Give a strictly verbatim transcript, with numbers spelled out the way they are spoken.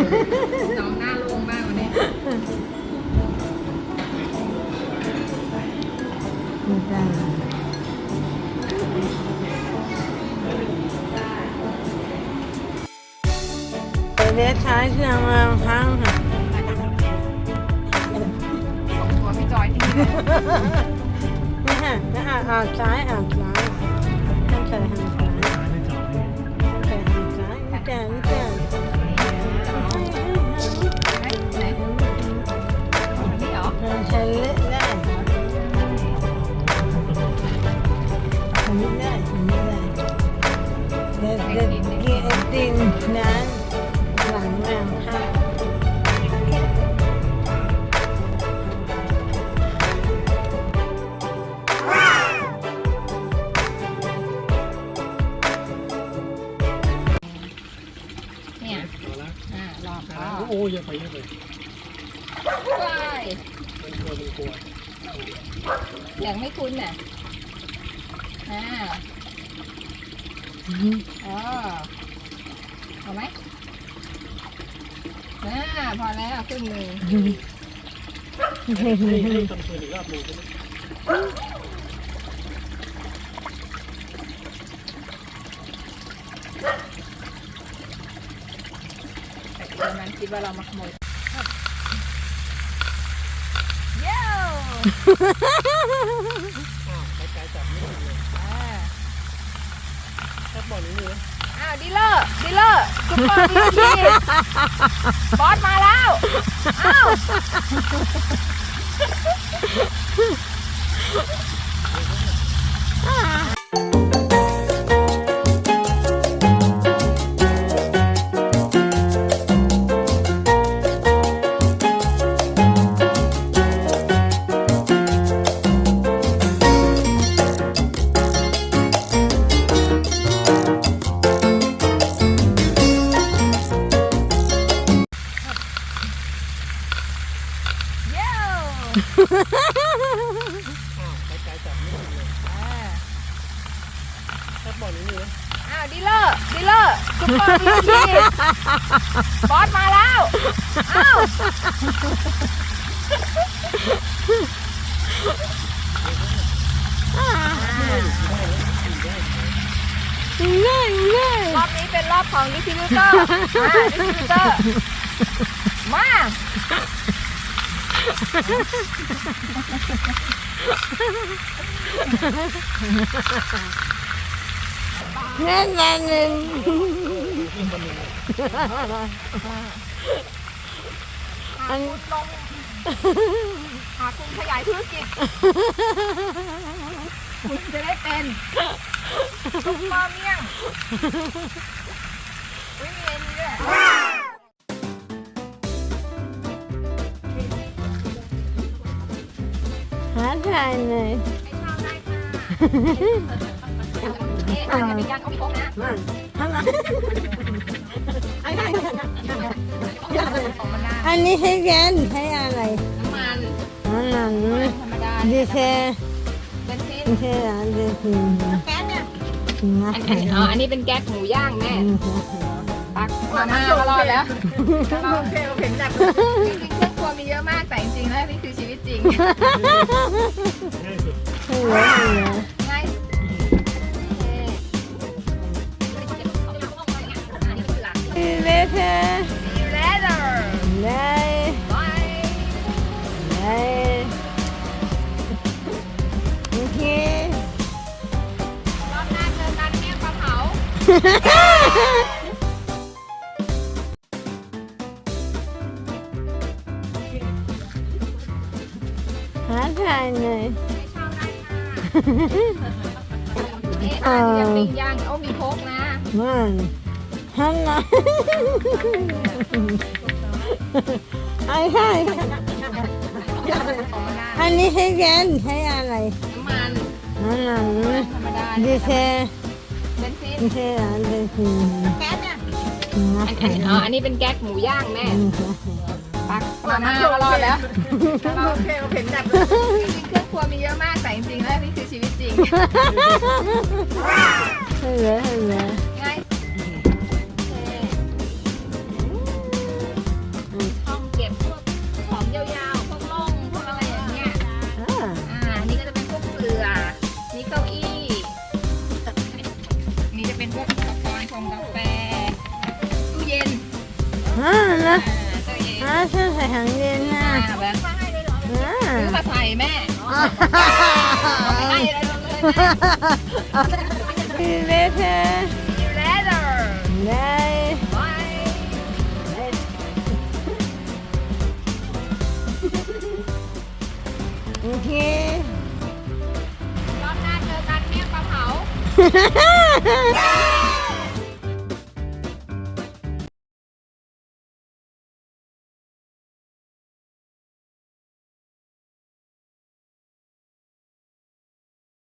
น้องหน้าโล่งมากวันนี้ไม่ได้เดี๋ยวใช้เครื่องมือพังค่ะส่งตัวพี่จอยที่นี่นี่ฮะนี่อ่ะอ่านซ้ายอ่านซ้ายทางซ้ายทางซ้ายทางซ้ายทางซ้ายนี่แกนี่แกใช้เล็กได้ทำไม่ได้ทำไม่ได้เด็ดเด็ดกินตินนั้นหลังแรงค่ะเนี่ยอ่ารอพ่อโอ้ยยังไปยังไปไปมันกลัวมันกลัวอย่างไม่คุ้นน่ะอ่าอ๋อเอาไหมอ่าพอแล้วครึ่งหนึ่งให้ให้ทำคืนอีกรอบหนึ่งใช่ไหมแต่ตอนนั้นคิดว่าเรามาขโมยเย้อ้าวไปไกลจับไม่ได้เลยแค่บอลนี้เลยอ้าวดีเลอร์ดีเลอร์ซุปเปอร์ดีทีบอสมาแล้วอ้าวอ้าวไปไกลจับไม่ได้เลยแค่บอลนี้เลยอ้าวดีเลอร์ดีเลอร์ซุปเปอร์ดีทีบอสมาแล้วอ้าวง่ายง่ายรอบนี้เป็นรอบของดิสติบิวเตอร์มาดิสติบิวเตอร์มาแน่นแน่นหนึ่งอันลงหาคุณขยายธุรกิจคุณจะได้เป็นซุปเปอร์เมี่ยงอุ้ยมีอันนี้ด้วยหาทายเลยไม่ชอบได้ค่ะนี่อันนี้เป็นการเอาพกนะอันนี้ใช้แก๊สใช้อะไรน้ำมันน้ำมันธรรมดาดีเซลเป็นซินดีเซลดีเซลแก๊สเนี่ยอันนี้อ๋ออันนี้เป็นแก๊สหมูย่างแม่ปักมาม่าก็รอดแล้วโอเคโอเคหนักจริงๆเครื่องครัวมีเยอะมากแต่จริงๆแล้วนี่คือชีวิตจริงง่ายสุดง่ายเลเทอร์เลเทอร์เลยเลยโอเครอบหน้าเจอกันเมี่ยงปลาเผาหาทายเลยไม่ชอบได้ค่ะเอ๊ะอันนี้ยังปิ้งย่างโอ้มีโคกนะมันฮัลโหลไอ้ใช่อันนี้ใช้แก๊สใช้อะไรน้ำมันน้ำมันธรรมดาดีเซลเป็นซินดีเซลดีเซลแก๊สเนี่ยอันอ๋ออันนี้เป็นแก๊สหมูย่างแม่ปักมาม่าก็รอดแล้วโอเคโอเคหนักจริงๆเครื่องครัวมีเยอะมากแต่จริงๆแล้วนี่คือชีวิตจริงให้เลยให้เลยง่ายพวกอุปกรณ์ชงกาแฟตู้เย็นอ่านะตู้เย็นอ่าฉันใส่ถังเย็นนะอ่าแบบอ่าซื้อมาใส่แม่ไม่ให้เลยเลย See you later ยูเลเตอร์ Bye บายโอเครอบหน้าเจอกันเมี่ยงปลาเผาฮ่าฮ่าฮ่า